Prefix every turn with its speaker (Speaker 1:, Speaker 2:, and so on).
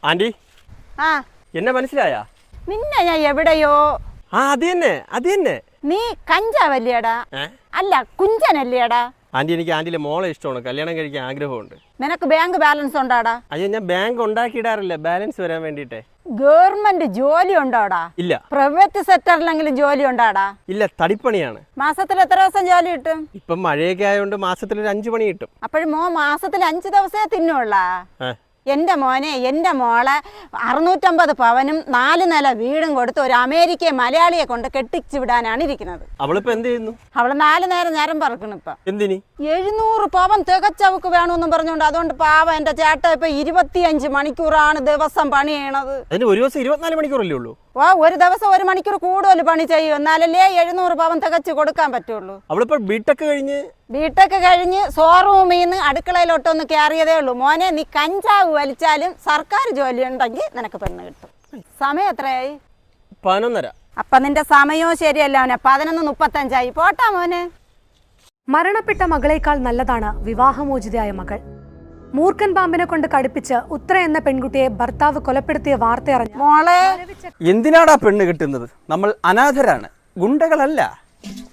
Speaker 1: Anti
Speaker 2: ആ
Speaker 1: എന്നെ മനസ്സിലായ?
Speaker 2: നിന്നെ ഞാൻ എവിടെയോ.
Speaker 1: ആ അത് തന്നെ.
Speaker 2: നീ കഞ്ചാവല്ലേടാ? അല്ല കുഞ്ചനല്ലേടാ?
Speaker 1: ആന്റി എനിക്ക് ആന്റിയിലെ മോളെ ഇഷ്ടമാണ്, കല്യാണം കഴിക്കാൻ ആഗ്രഹമുണ്ട്.
Speaker 2: നിനക്ക് ബാങ്ക് ബാലൻസ് ഉണ്ടാടാ?
Speaker 1: അയ്യോ ഞാൻ ബാങ്ക് ഉണ്ടാക്കിയിടാറില്ല, ബാലൻസ് വരാൻ വേണ്ടിട്ടേ.
Speaker 2: ഗവൺമെന്റ് ജോലി ഉണ്ടോടാ?
Speaker 1: ഇല്ല.
Speaker 2: പ്രൈവറ്റ് സെക്ടറിലെങ്കിലും ജോലി ഉണ്ടാടാ?
Speaker 1: ഇല്ല, തടിപ്പണിയാണ്.
Speaker 2: മാസത്തിൽ എത്ര ദിവസം ജോലി കിട്ടും?
Speaker 1: ഇപ്പം മഴയൊക്കെ ആയതുകൊണ്ട് മാസത്തിൽ ഒരു 5 പണി കിട്ടും.
Speaker 2: അപ്പോഴും മാസത്തിൽ 5 ദിവസമേ തിന്നുള്ളാ? എൻ്റെ മോനെ എൻ്റെ മോളെ 650 പവനും 4 നില വീടും കൊടുത്ത് ഒരു അമേരിക്കയെ മലയാളിയെ കൊണ്ട് കെട്ടിച്ചു വിടാനാണ് ഇരിക്കുന്നത്.
Speaker 1: അവളിപ്പോ എന്ത് ചെയ്യുന്നു?
Speaker 2: അവള് 4 നേരം നേരം പറക്കണം. ഇപ്പൊ
Speaker 1: എന്തിനി? 700
Speaker 2: പവൻ തികച്ചവക്ക് വേണമെന്നും പറഞ്ഞോണ്ട്. അതുകൊണ്ട് പാവം എൻ്റെ ചേട്ട ഇപ്പൊ 25 മണിക്കൂറാണ് ദിവസം പണി ചെയ്യണത്.
Speaker 1: അതിന് ഒരു ദിവസം 24 മണിക്കൂറല്ലേ ഉള്ളൂ?
Speaker 2: ഒരു ദിവസം 1 മണിക്കൂർ കൂടുതൽ പണി ചെയ്യും, എന്നാലല്ലേ 700 പവൻ തികച്ച് കൊടുക്കാൻ പറ്റുള്ളൂ.
Speaker 1: അവളിപ്പോ ബിടെക് കഴിഞ്ഞ്
Speaker 2: ഷോറൂമിൽ നിന്ന് അടുക്കളയിലോട്ടൊന്ന് കയറിയതേ ഉള്ളൂ. മോനെ നീ കഞ്ചാവ് വലിച്ചാലും സർക്കാർ ജോലി ഉണ്ടെങ്കിൽ നിനക്ക് പെണ്ണ് കിട്ടും. സമയം എത്രയായി?
Speaker 1: 11:30.
Speaker 2: അപ്പൊ നിന്റെ സമയവും ശരിയല്ല മോനെ. 11:35 പോട്ടാ മോനെ.
Speaker 3: മരണപ്പെട്ട മകളേക്കാൾ നല്ലതാണ് വിവാഹമോചിതയായ മകൾ. മൂർഖൻ പാമ്പിനെ കൊണ്ട് കടുപ്പിച്ച് ഉത്ര എന്ന പെൺകുട്ടിയെ ഭർത്താവ് കൊലപ്പെടുത്തിയ വാർത്ത അറിഞ്ഞ
Speaker 2: മോളെ,
Speaker 4: എന്തിനാടാ പെണ്ണ് കിട്ടുന്നത്? നമ്മൾ അനാഥരാണ്, ഗുണ്ടകളല്ല.